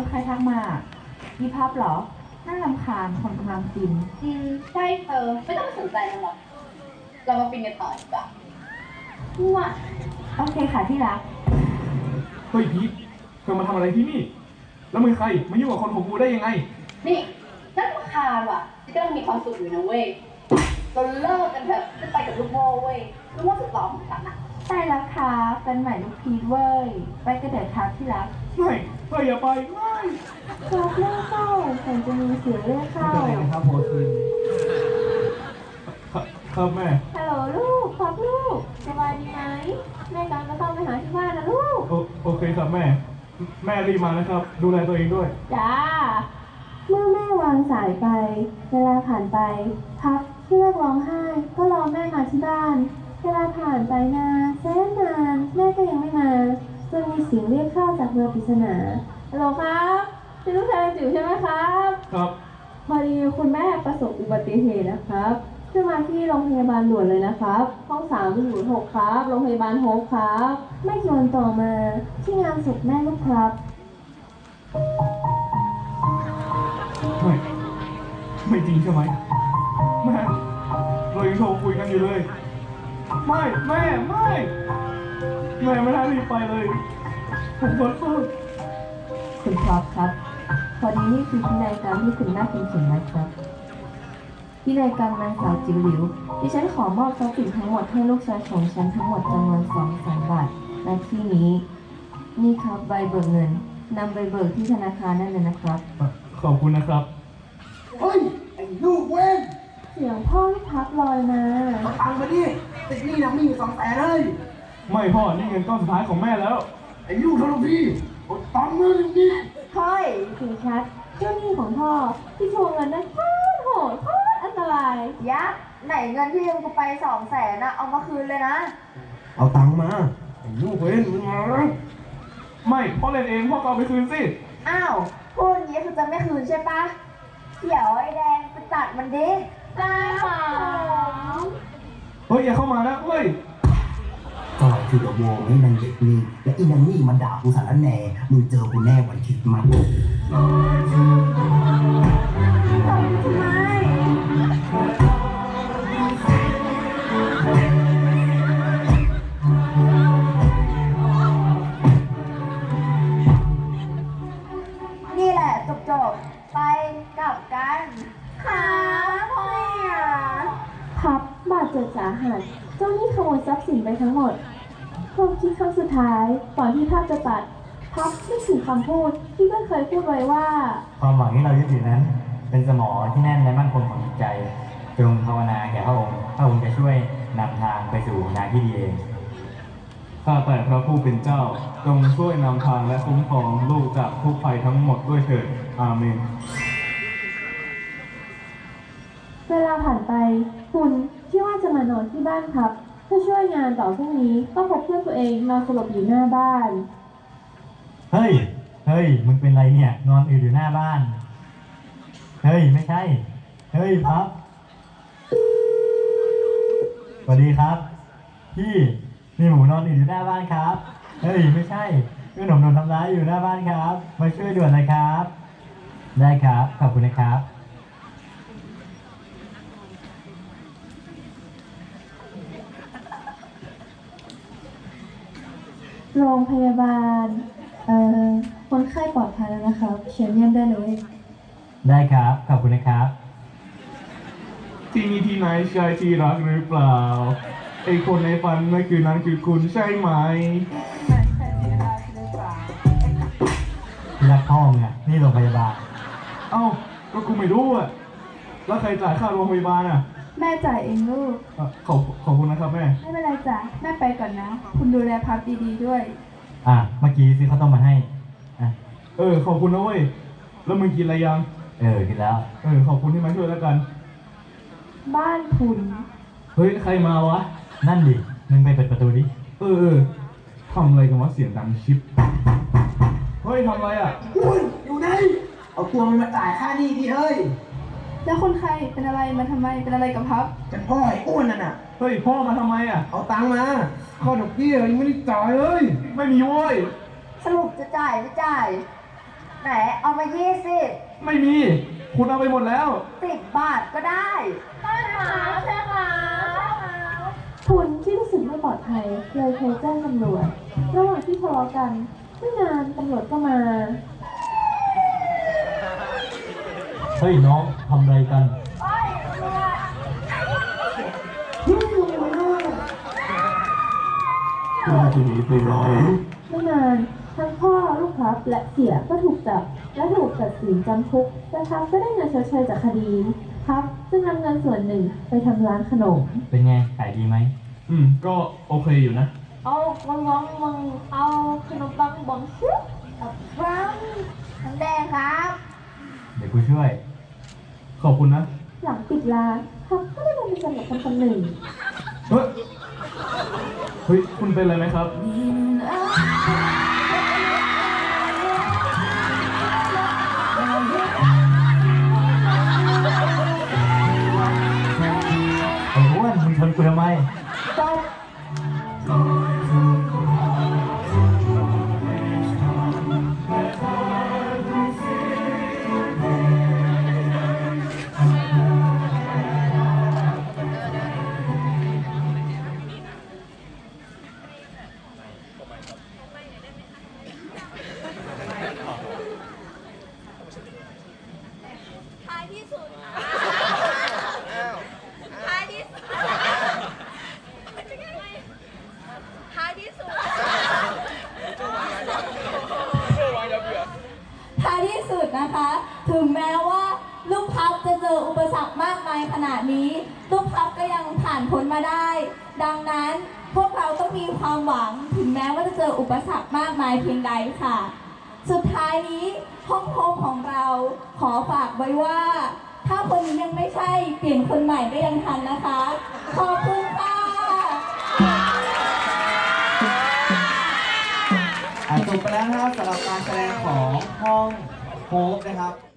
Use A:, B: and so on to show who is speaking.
A: ใครทักมามีภาพเหรอน่ารำคาญคนกำลังกิน
B: ใช่เธอไม่ต้องสนใจมันหรอกเรามาปินกันต่อดีกว่าว้า
A: โอเคค่ะที่รัก
C: เฮ้ยพีทเธอมาทำอะไรที่นี่แล้วมึงใครมายุ่งกับคนของกูได้ยังไง
B: นี่นั่นราคาว่ะที่กำลังมีความสุขอยู่นะเว้ยเราเลิกกันเถอะจะไปกับลูกโม่เว้ยลูกโม่สุดหล่อของฉันอะ
A: ใช่แล้วค่ะเป็นใหม่ลูกพีทเว้ยไปกระเด็ดทักที่รัก
C: ไม่อย่าไปไม่
A: ครับเล่าเข้าฉันจะมีเสียงเรียกเข้า
C: ไม่เป็นไรนะครับโพสินครับแม่
A: ฮัลโหลลูกครับลูกสบายดีไหมแม่กำลังจะเข้าไปหาที่บ้านนะลูก
C: โอเคครับแม่รีบมานะครับดูแลตัวเองด้วย
A: จ้าเมื่อแม่วางสายไปเวลาผ่านไปพักเลือกร้องไห้ก็รอแม่มาที่บ้านเวลาผ่านไปนานแสนนานแม่ก็ยังไม่มาจนมีเสียงเรียกเข้าจากเบอร์ปริศนาฮัลโหลครับเป็นลูกชายจิ๋วใช่ไหมครับ
C: ครับ
A: พอดีคุณแม่ประสบอุบัติเหตุนะครับขึ้นมาที่โรงพยาบาลด่วนเลยนะครับห้อง306ครับโรงพยาบาลโฮปครับไม่กี่วันต่อมาที่งานศพแม่ลูกครับ
C: ไม่จริงใช่ไหมแม่เรายังโทรคุยกันอยู่เลยไม่ไม่ได้รีบไปเลยผมขอโทษ
A: คุณครับครับพอดีนี่คือพินัยกรรมที่คุณแม่เป็นเขียนไว้ครับพินัยกรรมนางสาวจิ๋วหลิวดิฉันขอมอบทรัพย์สินทั้งหมดให้ลูกชายของฉันทั้งหมดจำนวน200,000 บาทในที่นี้นี่ครับใบเบิกเงินนำไปเบิกที่ธนาคารนั่นเลยนะครับ
C: ขอบคุณนะครับ
D: เฮ้ยไอ้ลูกเว้น
A: เสียงพ่อที่พักลอยมา
D: เอาตังค์มาดิติดหนี้นะมีอยู่200,000เลย
C: ไม่พ่อนี่เงินก้อนสุดท้ายของแม่แล้ว
D: ไอ้ลูกทรพีเอาตังค์มาดิ
A: เฮ้ยถึงชัดเจ้าหนี้ของพ่อที่ทวงเงินนั้นโคตรโหดโคตรอันตราย
B: ยักษ์ไหนเงินที่ยืมกูไป200,000นะเอามาคืนเลยนะ
D: เอาตังค์มาไอ้ลูกเว้นมึงมา
C: ไม่พ่อเล่นเองพ่อก็เอาไปคืนสิ
B: อ้าวพูดอย่างนี้คือจะไม่คืนใช่ปะเดี๋ยวไอ้แดงไปตัดมันดิได้หรอ
C: เฮ้ยอย่าเข้ามานะเฮ้ย
D: ก็คือโวไม่นันเด็กนี่และอีนันนี่มันด่ากูสารแหน่มึงเจอกูแน่วันคิดมัน
B: นี่แหละจบไปกลับกันค่ะพ่อ
A: พับบาดเจ็บสาหัสเจ้าหนี้ขโมยทรัพย์สินไปทั้งหมดความคิดครั้งสุดท้ายก่อนที่ภาพจะตัดพับนึกถึงคำพูดที่เพื่อนเคยพูดไว้ว่า
E: ความหวังที่เรายึดถือนั้นเป็นสมอที่แน่นและมั่นคงของจิตใจจงภาวนาแก่พระองค์จะช่วยนำทางไปสู่งานที่ดีเอง
C: ข้าแต่พระผู้เป็นเจ้าจงช่วยนำทางและคุ้มครองลูกจากทุกภัยทั้งหมดด้วยเถิดอาเมน
A: เวลาผ่านไปคุณที่ว่าจะมานอนที่บ้านครับเพื่อช่วยงานต่อพรุ่งนี้ก็พบเพื่อนตัวเองนอนสลบอยู่หน้าบ้าน
E: เฮ้ยมึงเป็นไรเนี่ยนอนอยู่หน้าบ้านเฮ้ยไม่ใช่เฮ้ยครับสวัสดีครับพี่มีหมูนอนอยู่หน้าบ้านครับเฮ้ยไม่ใช่เพื่อนผมโดนทำร้ายอยู่หน้าบ้านครับมาช่วยด่วนเลยครับได้ครับขอบคุณนะครับ
A: โรงพยาบาลคนไข้ปลอดภัยแล้วนะครับเชิญเยี่ยมได้เลย
E: ได้ครับขอบคุณนะครับ
C: ที่นี่ที่ไหนใช่ที่รักหรือเปล่าไอคนในฝันเมื่อคืนนั้นคือคุณใช่ไหม
E: ที่รักพ่อมึงอ่ะนี่โรงพยาบาล
C: เอ้าก็กูไม่รู้อ่ะแล้วใครจ่ายค่าโรงพยาบาลอ่ะ
A: แม่จ่ายเองลูก
C: ขอบคุณนะครับแม่
A: ไม่เป็นไรจ้ะแม่ไปก่อนนะคุณดูแลพักดีๆด้วย
E: เมื่อกี้ซื้อข้าวต้มมาให้
C: ขอบคุณนะเว้ยแล้วมึงกินอะไรยัง
E: กินแล้ว
C: ขอบคุณที่มาช่วยแล้วกัน
A: บ้านคุณ
C: เฮ้ยใครมาวะ
E: นั่นดิมึงไปเปิดประตูดิ
C: ทำอะไรกันวะเสียงดังชิปเฮ้ยทำอะไรอ่ะ
D: คุณอยู่ไหนเอาตัวมันมาจ่ายค่าหนี้ดิเฮ้ย
A: แล้วคนใครเป็นอะไรมาทำไมเป็นอะไรกับพับ
D: เป็นพ่อไอ้อ้วนนั่นน่ะ
C: เฮ้ยพ่อมาทำไมอ่ะ
D: เอาตังค์มาข้อดอกเบี้ยยังไม่ได้จ่ายเลย
C: ไม่มีเว้ย
B: สรุปจะจ่ายไม่จ่ายไหนไหนเอามา20
C: ไม่มี คุณเอาไปหมดแล้ว
B: 10 บาทก็ได้ใช่ค่ะใช่ค่ะ
A: คุณที่รู้สึกไม่ปลอดภัยเลยโทรแจ้งตำรวจ ระหว่างที่ทะเลาะกันไม่นานตำรวจก็มา
E: เฮ้ยน้องทำอะไรกัน
A: ไม่นานทั้งพ่อลูกพับและเสียก็ถูกจับและถูกตัดสินจำคุกแต่พับก็ได้เงินชดเชยจากคดีพับจึงนำเงินส่วนหนึ่งไปทำร้านขนม
E: เป็นไงขายดีไหม
C: ก็โอเคอยู่นะ
A: เอาวังเอาขนมปังบองชุบ
B: ฟังน้ำแดงครับ
E: เดี๋ยวกูช่วย
C: ขอบคุณนะ
A: หลังปิดร้านพับก็ได้มาเป็นสำหรับคนหนึ่ง
C: เฮ้ย เฮ้ย คุณเป็นอะไรไหมครับ
E: ไอ้อ้วนมึงชนกูทำไม
F: ท้ายที่สุดท้ายที่สุดท้ายที่สุด
G: ท้ายที่สุดนะคะ ถึงแม้ว่าลูกพับจะเจออุปสรรคมากมายขนาดนี้ ลูกพับก็ยังผ่านพ้นมาได้ ดังนั้นพวกเราต้องมีความหวัง ถึงแม้ว่าจะเจออุปสรรคมากมายเพียงใดค่ะ สุดท้ายนี้ห้องโถงของเราขอฝากไว้ว่า ถ้าคนนี้ยังไม่ใช่เปลี่ยนคนใหม่ก็ยังทันนะคะ ขอบคุณค่ะ
H: จบไปแล้วนะครับสำหรับการแสดงของห้องโฮปนะครับ